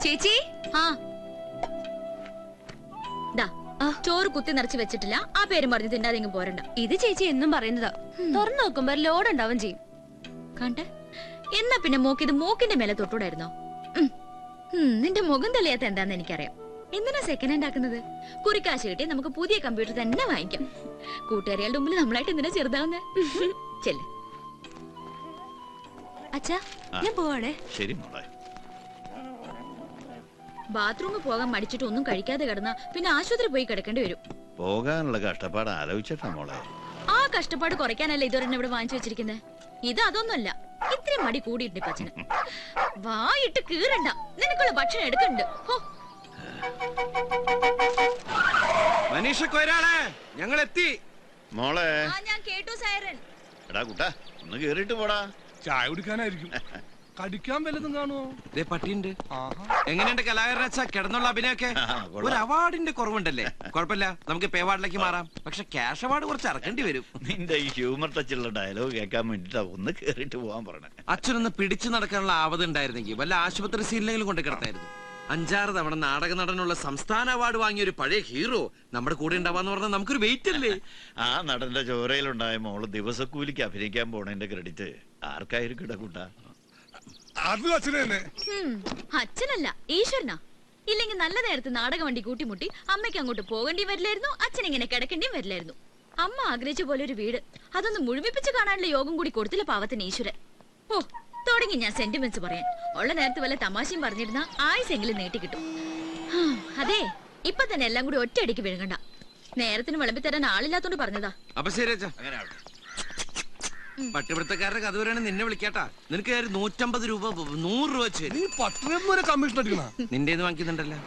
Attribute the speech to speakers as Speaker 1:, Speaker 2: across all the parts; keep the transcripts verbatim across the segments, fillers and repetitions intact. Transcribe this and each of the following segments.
Speaker 1: ചേച്ചി ചോറ് കുത്തി നിറച്ച് വെച്ചിട്ടില്ല. ആ പേരും പറഞ്ഞ് തിന്നാതെ പോരണ്ട.
Speaker 2: ഇത് ചേച്ചി എന്നും പറയുന്നതാ. തുറന്നു നോക്കുമ്പോ ലോഡ് ഉണ്ടാവും ചെയ്യും.
Speaker 1: കണ്ടേ, എന്നാ പിന്നെ മൂക്കിത് മൂക്കിന്റെ മേലെ തൊട്ടൂടായിരുന്നോ? നിന്റെ മുഖം തെളിയാത്ത എന്താന്ന് എനിക്കറിയാം. എന്തിനാ സെക്കൻഡ് ഹാൻഡ് ആക്കുന്നത്? കുറിക്കാശ് കിട്ടി നമുക്ക് പുതിയ കമ്പ്യൂട്ടർ തന്നെ വാങ്ങിക്കാം. കൂട്ടുകാരികളുടെ മുമ്പിൽ നമ്മളായിട്ട് എന്തിനാ ചെറുതാവുന്നേ? ചെല്ല്.
Speaker 2: അച്ഛാ, ഞാൻ പോവാണേ.
Speaker 3: ശരി മോളെ.
Speaker 1: ബാത്റൂമിൽ പോകാൻ മടിച്ചിട്ട് ഒന്നും കഴിക്കാതെ കിടന്നാ പിന്നെ ആശുപത്രി പോയി കിടക്കേണ്ടി വരും.
Speaker 3: പോകാനുള്ള കഷ്ടപ്പാട് ആലോചിച്ചിട്ടാ മോളെ.
Speaker 1: ആ കഷ്ടപ്പാട് കുറയ്ക്കാനല്ലേ ഇതുവരെ ഇവിടെ വാങ്ങിച്ചു വെച്ചിരിക്കുന്നത്. ഇത് അതൊന്നുമല്ല, ഇത്രയും മടി കൂടിയിട്ടുണ്ട് പച്ചന്. വായിട്ട് കീറണ്ട, നിനക്കുള്ള ഭക്ഷണം എടുക്കണ്ട്.
Speaker 4: മനീഷ കൊയ്രാളെ, ഞങ്ങൾ എത്തി
Speaker 3: മോളെ.
Speaker 1: ഞാൻ കേട്ടു സൈറൻ.
Speaker 3: എടാ കുട്ടാ, ഒന്ന് കേറിട്ട് പോടാ.
Speaker 5: ചായ കുടിക്കാനായിരിക്കും. കടിക്കാൻ വല്ലതും കാണുമോ?
Speaker 4: പട്ടിയുണ്ട്. എങ്ങനെയുണ്ട് കലാകാരനാ കിടന്നുള്ള അഭിനയൊക്കെ? ഒരു അവാർഡിന്റെ കുറവുണ്ടല്ലേ? കുഴപ്പമില്ല, നമുക്ക് പേ അവാർഡിലേക്ക് മാറാം. പക്ഷെ ക്യാഷ് അവാർഡ് കുറച്ച് ഇറക്കേണ്ടി വരും.
Speaker 3: നിന്റെ ഈ ഹ്യൂമർ ടച്ചുള്ള ഡയലോഗ് കേൾക്കാൻ വേണ്ടിട്ടാ ഒന്ന് കേറിട്ട് പോവാൻ പറഞ്ഞേ.
Speaker 4: അച്ഛനൊന്ന് പിടിച്ചു നടക്കാനുള്ള ആവത് ഉണ്ടായിരുന്നെങ്കിൽ വല്ല ആശുപത്രി സീനിലെങ്കിലും കൊണ്ട് കിടത്തായിരുന്നു. അഞ്ചാറ് തവണ നാടക നടനുള്ള സംസ്ഥാന അവാർഡ് വാങ്ങിയ ഒരു പഴയ ഹീറോ നമ്മുടെ കൂടെ ഉണ്ടാവാന്ന് പറഞ്ഞാൽ നമുക്കൊരു വെയിറ്റ് അല്ലേ?
Speaker 3: ആ നടന്റെ ചോരയിലുണ്ടായ മോള് ദിവസക്കൂലിക്ക് അഭിനയിക്കാൻ പോണതിന്റെ ക്രെഡിറ്റ് ആർക്കായിരിക്കും കൂട്ടാ?
Speaker 5: അത് അച്ഛനെ തന്നെ.
Speaker 1: അച്ഛനല്ല, ഈശ്വരനാ. ഇല്ലെങ്കിൽ നല്ല നേരത്ത് നാടക വണ്ടി കൂട്ടിമുട്ടി അമ്മയ്ക്ക് അങ്ങോട്ട് പോകേണ്ടി വരില്ലായിരുന്നു, അച്ഛൻ ഇങ്ങനെ കിടക്കേണ്ടിയും വരില്ലായിരുന്നു. അമ്മ ആഗ്രഹിച്ച പോലെ ഒരു വീട്, അതൊന്ന് മുഴുമിപ്പിച്ച് കാണാനുള്ള യോഗം കൂടി കൊടുത്തില്ല പാവത്തിന് ഈശ്വരൻ. ഓ, തുടങ്ങി ഞാൻ സെന്റിമെന്റ്സ് പറയാൻ. ഉള്ള നേരത്ത് വല്ല തമാശയും പറഞ്ഞിരുന്ന ആയുസെങ്കിലും നീട്ടിക്കിട്ടും. അതെ, ഇപ്പൊ തന്നെ എല്ലാം കൂടി ഒറ്റയടിക്ക് വിഴുങ്ങണ്ട. നേരത്തിന് വിളമ്പി തരാൻ ആളില്ലാത്തോണ്ട് പറഞ്ഞതാ.
Speaker 4: അപ്പൊ ശരി, പട്ടിപിടുത്തക്കാരുടെ കഥ വരെയാണ് നിന്നെ വിളിക്കാട്ടാ. നിനക്ക് നൂറ്റമ്പത് രൂപ നൂറ് രൂപ വെച്ച്
Speaker 5: കമ്മീഷൻ അടിക്കണ
Speaker 4: നിന്റെ വാങ്ങിക്കുന്നുണ്ടല്ലോ.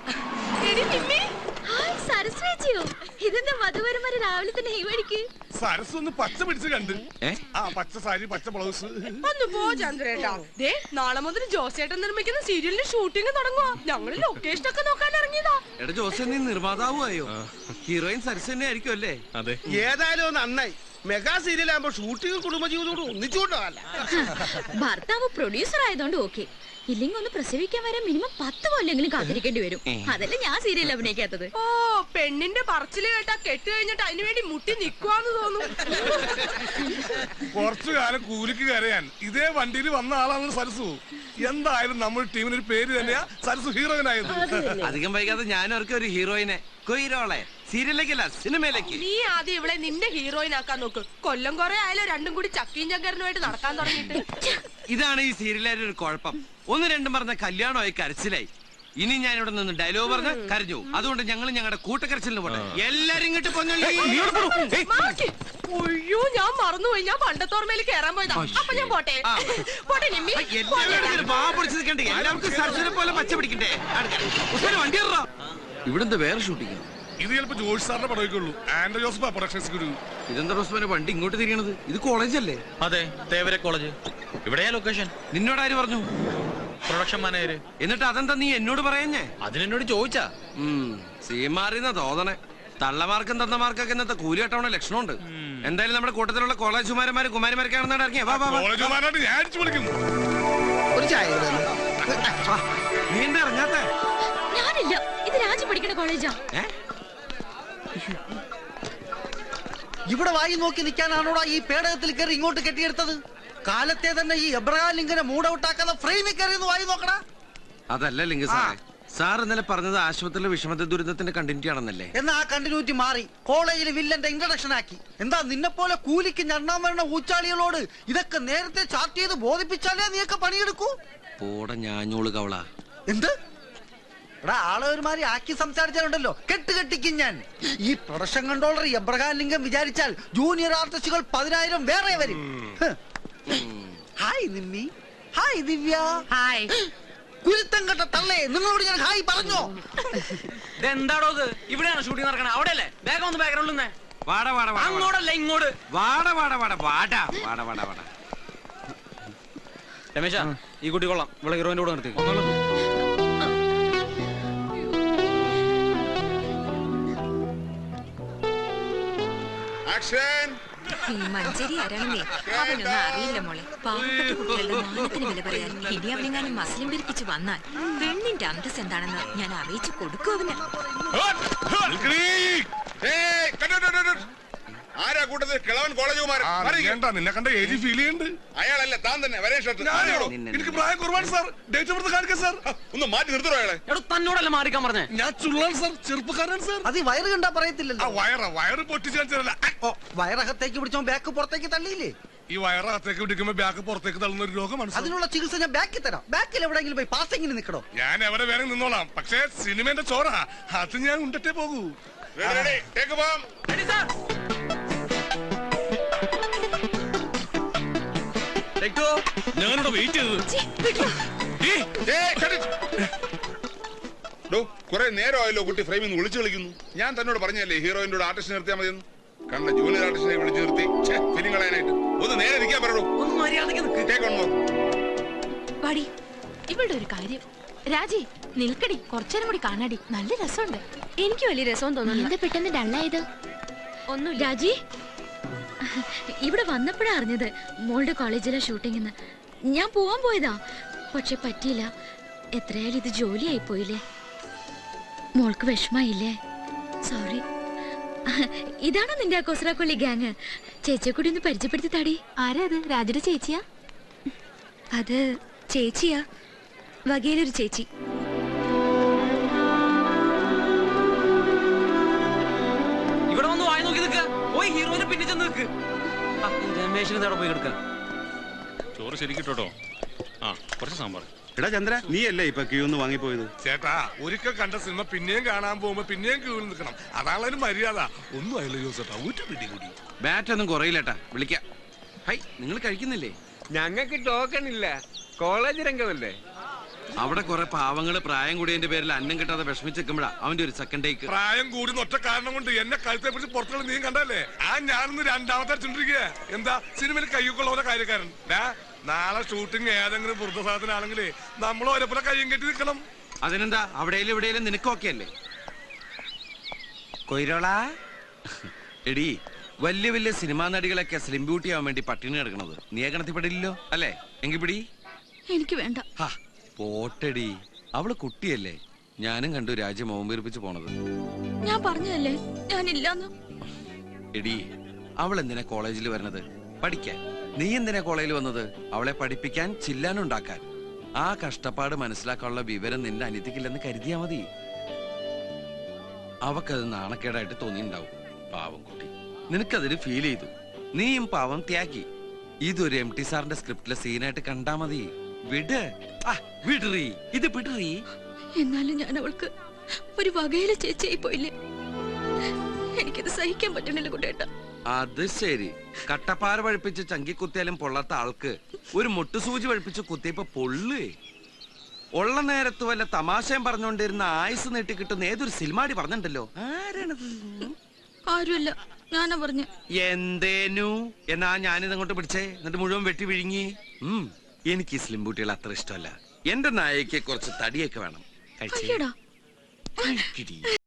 Speaker 1: ഇതെന്താ വധുവരന്മാര് രാവിലെ തന്നെ ഈ വഴിക്ക്?
Speaker 5: സരസ് ഒന്ന് പച്ച പിടിച്ച് കണ്ട്. ആ പച്ച സാരി, പച്ച ബ്ലൗസ്.
Speaker 6: ഒന്ന് പോ ചന്ദ്രേട്ടാ. ദേ, നാളെ മുതൽ ജോസേട്ടൻ നിർമ്മിക്കുന്ന സീരിയലിന്റെ ഷൂട്ടിംഗ് തുടങ്ങുവാ. ഞങ്ങള് ലൊക്കേഷൻ ഒക്കെ നോക്കാൻ ഇറങ്ങിയതാ.
Speaker 4: എടാ ജോസേ, നീ നിർമ്മാതാവുമായോ? ഹീറോയിൻ സരസ് തന്നെ ആയിരിക്കും അല്ലേ?
Speaker 7: അതെ. ഏതായാലും നന്നായി. മെഗാ സീരിയൽ ആകുമ്പോ ഷൂട്ടിംഗ് കുടുംബജീവിതോട് ഒന്നിച്ചുകൊണ്ടല്ല.
Speaker 1: ഭർത്താവ് പ്രൊഡ്യൂസർ ആയതുകൊണ്ട് ഓക്കെ. ഇല്ലെങ്കിൽ ഒന്ന് പ്രസവിക്കാൻ വരെ മിനിമം പത്ത് കൊല്ലെങ്കിലും കാത്തിരിക്കേണ്ടി വരും. അതല്ലേ ഞാൻ സീരിയൽ അഭിനയിക്കാത്തത്.
Speaker 6: ഓ, പെണ്ണിന്റെ പറച്ചില് കേട്ടാ കെട്ട് കഴിഞ്ഞിട്ട് അതിനു വേണ്ടി മുട്ടി നിക്കുവാന്ന് തോന്നും.
Speaker 5: കുറച്ചു കാലം കൂലിക്ക് കരയാൻ ഇതേ വണ്ടിയിൽ വന്ന ആളാണ് സരസു. എന്തായാലും നമ്മൾ ടീമിനൊരു പേര് തന്നെയാ സരസു ഹീറോയിനായത്.
Speaker 4: അധികം വൈകാതെ ഞാൻ അവർക്ക് ഒരു ഹീറോയിനെ കൊയ്രോളെ സീരിയലിലേക്കല്ല സിനിമയിലേക്ക്.
Speaker 6: നീ ആദ്യം ഇവളെ നിന്റെ ഹീറോയിൻ ആക്കാൻ നോക്ക്. കൊല്ലം കുറെ ആയാലും രണ്ടും കൂടി ചക്കീം ചങ്കരനുമായിട്ട് നടക്കാൻ തുടങ്ങിയിട്ട്.
Speaker 4: ഇതാണ് ഈ സീരിയലിന്റെ ഒരു കുഴപ്പം. ഒന്ന് രണ്ടും പറഞ്ഞ കല്യാണമായി കരച്ചിലായി. ഇനി ഞാൻ ഇവിടെ നിന്ന് ഡയലോഗ് പറഞ്ഞ് കരഞ്ഞു. അതുകൊണ്ട് ഞങ്ങൾ ഞങ്ങളുടെ കൂട്ടക്കരച്ചിലിന് പോട്ടെ. എല്ലാരും ഇങ്ങോട്ട് പൊന്നല്ലോ.
Speaker 6: ഒയ്യോ, ഞാൻ മറന്നുപോയി. ഞാൻ പണ്ടത്തോർമയിൽ കയറാൻ പോയതാ. അപ്പൊ ഞാൻ പോട്ടെ പോട്ടെ നിമ്മി.
Speaker 4: എല്ലാവർക്കും സർജനെ പോലെ പച്ച പിടിക്കട്ടെ. വണ്ടി ഇവിടെന്താ വേറെ ഷൂട്ടിങ്?
Speaker 5: ഇത് ചിലപ്പോ ജോഷ് സാറിന്റെ പടവയ്ക്കുള്ളൂ. ആൻഡ്രോ ജോസഫ് പ്രൊഡക്ഷൻസ് ഗുരു.
Speaker 4: ഇതെന്താ റോസ്മാനെ വണ്ടി ഇങ്ങോട്ട് തിരിയണത്? ഇത് കോളേജല്ലേ?
Speaker 7: അതെ, തേവര കോളേജ്. ഇവിടെയാ ലൊക്കേഷൻ.
Speaker 4: നിന്നോട് ആര് പറഞ്ഞു?
Speaker 7: Production manager.
Speaker 4: എന്നിട്ട് അതെന്താ നീ എന്നോട് പറയുന്നേ?
Speaker 7: അതിനെന്നോട് ചോദിച്ചാ.
Speaker 4: സീമാറിന്ന തോന്നണേ. തള്ളമാർക്കും തന്നമാർക്കൊക്കെ ഇന്നത്തെ കൂലി കെട്ടവണ ലക്ഷണമുണ്ട്. എന്തായാലും നമ്മുടെ കൂട്ടത്തിലുള്ള കോളേജ് കുമാരന്മാരും കുമാരിമാരൊക്കെയാണെന്നാണ് ഇറങ്ങിയ. നീ എന്താ ഇറങ്ങാത്ത?
Speaker 1: ഞാനില്ല, ഇത് രാജു പഠിക്കുന്ന കോളേജാ.
Speaker 8: ഇവിടെ വായി നോക്കി നിൽക്കാനാണോടാ ഈ പേടകത്തിൽ കയറി ഇങ്ങോട്ട് കെട്ടിയെടുത്തത്? കാലത്തെ തന്നെ ഈ എബ്രഹാം ലിങ്കനെ മൂടൗട്ടാക്കാതെ ഫ്രെയിമിൽ കയറി വായി നോക്കടാ.
Speaker 4: അതല്ല ലിംഗ സാറേ, സാർ ഇന്നലെ പറഞ്ഞത് ആശുപത്രിയിലെ വിഷമത ദുരിതത്തിന്റെ കണ്ടിന്യൂറ്റി ആണെന്നല്ലേ?
Speaker 8: എന്നാ ആ കണ്ടിന്യൂറ്റി മാറി കോളേജിൽ വില്ലന്റെ ഇൻട്രഡക്ഷൻ ആക്കി. എന്താ നിന്നെ പോലെ കൂലിക്ക് ഞണ്ണാൻ വരുന്ന ഊച്ചാളികളോട് ഇതൊക്കെ നേരത്തെ ചാർട്ട് ചെയ്ത് ബോധിപ്പിച്ചാലേ നീയൊക്കെ പണിയെടുക്കൂ.
Speaker 4: പോട ഞാഞ്ഞോള് കവള.
Speaker 8: എന്ത് എടാ, ആളെ ഒരുമാതിരി ആക്കി സംസാരിച്ചാലുണ്ടല്ലോ കെട്ട് കെട്ടിക്കും ഞാൻ. ഈ പ്രൊഡക്ഷൻ കൺട്രോളർ എബ്രഹാം ലിംഗം വിചാരിച്ചാൽ ജൂനിയർ ആർട്ടിസ്റ്റുകൾ പതിനായിരം വേറെ വരും. Hi Nimmi. Hi Divya.
Speaker 6: Hi
Speaker 8: കുരുത്തം കെട്ട തള്ളേ, നിങ്ങളോട് ഞാൻ ഹായ് പറഞ്ഞോ?
Speaker 7: എന്താടോ ഇത്? ഇവിടെയാണ് ഷൂട്ടിംഗ് നടക്കണേ. അവിടെയല്ലേ? വേഗം ഒന്ന് ബാക്ക്ഗ്രൗണ്ടിൽ
Speaker 4: വാട വാട
Speaker 7: അങ്ങോട്ടല്ല ഇങ്ങോട്ട്.
Speaker 4: വാട വാട വാട വാട വാട വാട വാട.
Speaker 7: രമേശ, ഈ കുട്ടി കൊള്ളാം. ഇവിടെ ഹീറോയിന്റെ കൂടെ നിർത്തി.
Speaker 5: ആക്ഷൻ.
Speaker 9: മഞ്ചേരി ആരാണെന്നേ അവനൊന്നും അറിയില്ല മോളെ. പാവപ്പെട്ട കുട്ടികളുടെ മാനത്തിന് വില പറയാൻ ഇനി അവനെങ്ങാനും മസ്ലിം പിരിപ്പിച്ച് വന്നാൽ പെണ്ണിന്റെ അന്തസ് എന്താണെന്ന് ഞാൻ അറിയിച്ചു കൊടുക്കും അവന്.
Speaker 10: ആരാ കൂട്ടത്തിൽ കിളവൻ കോളേജ്
Speaker 5: നിന്നെ കണ്ട ഏജ് ഫീൽ ചെയ്യുന്നുണ്ട്.
Speaker 10: അയാളല്ല താൻ തന്നെ വരേ ഷർട്ട്
Speaker 5: എനിക്ക് പ്രായം കുറവാണ് സാർ. ഡേറ്റ് ഓഫ് ബർത്ത് കാണിക്കാം സാർ.
Speaker 10: ഒന്ന് മാറ്റി നിർത്തോ അയാളെ.
Speaker 4: തന്നോടല്ല മാറിക്കാൻ പറഞ്ഞേ.
Speaker 5: ഞാൻ ചുള്ളാണ് സാർ, ചെറുപ്പക്കാരൻ സാർ.
Speaker 8: അത് ഈ വയറ് കണ്ടാ
Speaker 5: ആ
Speaker 8: പറയത്തില്ലല്ലോ.
Speaker 5: വയറ വയറ് പൊട്ടിച്ചു കാണിച്ചതല്ല.
Speaker 8: ഓ, വയറകത്തേക്ക് പിടിച്ചോ ബാക്ക് പുറത്തേക്ക് തള്ളിയില്ലേ?
Speaker 5: ഈ വയറകത്തേക്ക് പിടിക്കുമ്പോ ബാക്ക് പുറത്തേക്ക് തള്ളുന്ന ഒരു രോഗമാണ് സാർ.
Speaker 8: അതിനുള്ള ചികിത്സ ഞാൻ ബാക്കിൽ തരാം. ബാക്കിൽ എവിടെയെങ്കിലും പോയി പാസിങ്ങിന് നിൽക്കണോ?
Speaker 5: ഞാൻ എവിടെ വേറെ നിന്നോളാം, പക്ഷേ സിനിമന്റെ ചോറ അത് ഞാൻ ഉണ്ടിട്ടേ പോകൂ.
Speaker 10: ഞാനിവിടെ വെയിറ്റ് കുറെ നേരമായല്ലോ കുട്ടി ഫ്രെയിമിൽ നിന്ന് വിളിച്ചു കളിക്കുന്നു. ഞാൻ തന്നോട് പറഞ്ഞല്ലേ ഹീറോയിന്റെ കൂടെ ആർട്ടിസ്റ്റ് നിർത്തിയാൽ മതിയെന്ന്. കണ്ട ജൂനിയർ ആർട്ടിസ്റ്റിനെ വിളിച്ചു നിർത്തി ഫിലിം കളയാനായിട്ട്. ഒന്ന് നേരെ നിൽക്കാൻ പറയൂ.
Speaker 2: പാടി ഇവളുടെ ഒരു കാര്യം. രാജി നിൽക്കടി, കുറച്ചേരം കൂടി കാണാടി, നല്ല രസമുണ്ട്.
Speaker 1: എനിക്ക് വലിയ രസം തോന്നുന്നു. പെട്ടെന്ന് ഡള്ളായത്
Speaker 2: ഒന്നും
Speaker 1: രാജി ഇവിടെ വന്നപ്പോഴാ അറിഞ്ഞത് മോളുടെ കോളേജിലെ ഷൂട്ടിങ്ങിന്ന്. ഞാൻ പോവാൻ പോയതാ, പക്ഷെ പറ്റിയില്ല. എത്രയായാലും ഇത് ജോലിയായി പോയില്ലേ. മോൾക്ക് വിഷമായില്ലേ? സോറി. ഇതാണോ നിന്റെ കൊസ്രാക്കൊള്ളി ഗ്യാങ്? ചേച്ചിയെ കൂടി ഒന്ന് പരിചയപ്പെടുത്തി താടി.
Speaker 2: ആരാ അത്? രാജയുടെ ചേച്ചിയാ?
Speaker 1: അത് ചേച്ചിയാ, വകയിലൊരു ചേച്ചി.
Speaker 4: ഇവിടെ വന്ന് വായി നോക്കി നിൽക്കുക. പോയി ഹീറോയിനെ പിന്നെ ചെന്ന് നിൽക്ക്. രമേശിന് നേടെ പോയി എടുക്ക.
Speaker 10: ചോറ് ശരിക്കിട്ടോ. ആ കുറച്ച് സാമ്പാർ.
Speaker 7: എടാ ചന്ദ്ര, നീ അല്ലേ ഇപ്പൊ ക്യൂ ഒന്ന് വാങ്ങിപ്പോയത്?
Speaker 5: ചേട്ടാ, ഒരിക്കൽ കണ്ട സിനിമ പിന്നെയും കാണാൻ പോകുമ്പോ പിന്നെയും ക്യൂവിൽ നിൽക്കണം. അതാണ് ഒരു മര്യാദ. ഒന്നും ആയില്ല ജോസേട്ടാ, ഊറ്റ പിടി കൂടി.
Speaker 4: ബാറ്റ് ഒന്നും കുറയില്ലട്ടാ, വിളിക്കാം. ഹൈ, നിങ്ങൾ കഴിക്കുന്നില്ലേ?
Speaker 7: ഞങ്ങൾക്ക് ടോക്കൺ ഇല്ല, കോളേജ് രംഗമല്ലേ.
Speaker 4: അവിടെ കുറെ പാവങ്ങള് പ്രായം കൂടിയതിന്റെ പേരിൽ അന്നം കിട്ടാതെ വിഷമിച്ചെക്കുമ്പോഴാ അവന്റെ ഒരു സെക്കൻഡ് ടേക്ക്.
Speaker 5: പ്രായം കൂടി ഒറ്റ കാരണം കൊണ്ട് എന്നെ കഴുത്തെ പിടിച്ച് പുറത്തുള്ള നീ കണ്ടല്ലേ? ആ ഞാനൊന്ന് രണ്ടാമത്തെ അടിച്ചോണ്ടിരിക്കുക. എന്താ സിനിമയിൽ കയ്യൊക്കെയുള്ള പോലെ കാര്യക്കാരൻ. നാളെ ഷൂട്ടിംഗ് ഏതെങ്കിലും വൃദ്ധസാധനാണെങ്കിലേ നമ്മൾ ഓരോപ്പോലെ കയ്യും കെട്ടി നിൽക്കണം.
Speaker 4: അതിനെന്താ, അവിടെയും ഇവിടെയും നിനക്കൊക്കെ അല്ലേ
Speaker 7: കൊയ്രോളാ.
Speaker 4: എടി, വലിയ വലിയ സിനിമാ നടികളൊക്കെ സ്ലിം ബ്യൂട്ടി ആവാൻ വേണ്ടി പട്ടിണി കിടക്കണത് നീ ഗണത്തിൽപ്പെടില്ലല്ലോ അല്ലേ? എങ്കിൽ പിടി.
Speaker 1: എനിക്ക് വേണ്ട.
Speaker 4: പോട്ടടി, അവള് കുട്ടിയല്ലേ. ഞാനും കണ്ടു രാജ്യം ഓമ്പീർപ്പിച്ച് പോണത്.
Speaker 1: ഞാൻ പറഞ്ഞതല്ലേ ഞാനില്ലാന്ന്.
Speaker 4: എടി, അവൾ എന്തിനാ കോളേജിൽ വരണത്? പഠിക്കാൻ. നീ എന്തിനാ കോളേജിൽ വന്നത്? അവളെ പഠിപ്പിക്കാൻ, ചില്ലാനുണ്ടാക്കാൻ. ആ കഷ്ടപ്പാട് മനസ്സിലാക്കാനുള്ള വിവരം നിന്റെ അനിയത്തിക്കില്ലെന്ന് കരുതിയാ മതി. അവക്കത് നാണക്കേടായിട്ട് തോന്നിണ്ടാവും. പാവം കുട്ടി, നിനക്കതിന് ഫീൽ ചെയ്തു. നീയും പാവം ത്യാഗി. ഇതൊരു എം ടി സാറിന്റെ സ്ക്രിപ്റ്റിലെ സീനായിട്ട് കണ്ടാ മതി. വിട്, വിടറി, ഇത് വിടറി.
Speaker 1: എന്നാലും ഞാൻ അവൾക്ക് ഒരു വകയിലെ ചേച്ചിയായി പോയില്ലേ. എനിക്കിത് സഹിക്കാൻ പറ്റണില്ല കുട്ടേട്ട.
Speaker 4: അത് ശരി, കട്ടപ്പാറ പഴിപ്പിച്ച് ചങ്കി കുത്തിയാലും പൊള്ളാത്ത ആൾക്ക് ഒരു മുട്ടുസൂചി പഴിപ്പിച്ച് കുത്തിയപ്പോ പൊള്ളേ. ഉള്ള നേരത്ത് വല്ല തമാശയും പറഞ്ഞുകൊണ്ടിരുന്ന ആയുസ് നീട്ടി കിട്ടുന്ന ഏതൊരു സിനിമാടി പറഞ്ഞിട്ടുണ്ടല്ലോ. ആരാണത്?
Speaker 1: ആരുമല്ല, ഞാനാ പറഞ്ഞ.
Speaker 4: എന്തേനു എന്നാ ഞാനിത് അങ്ങോട്ട് പിടിച്ചേ, എന്നിട്ട് മുഴുവൻ വെട്ടി വിഴുങ്ങി. ഉം എനിക്ക് ഈ സ്ലിം ബൂട്ടികൾ അത്ര ഇഷ്ടമല്ല. എന്റെ നായക്ക് കുറച്ച് തടിയൊക്കെ വേണം. കഴിച്ചേ.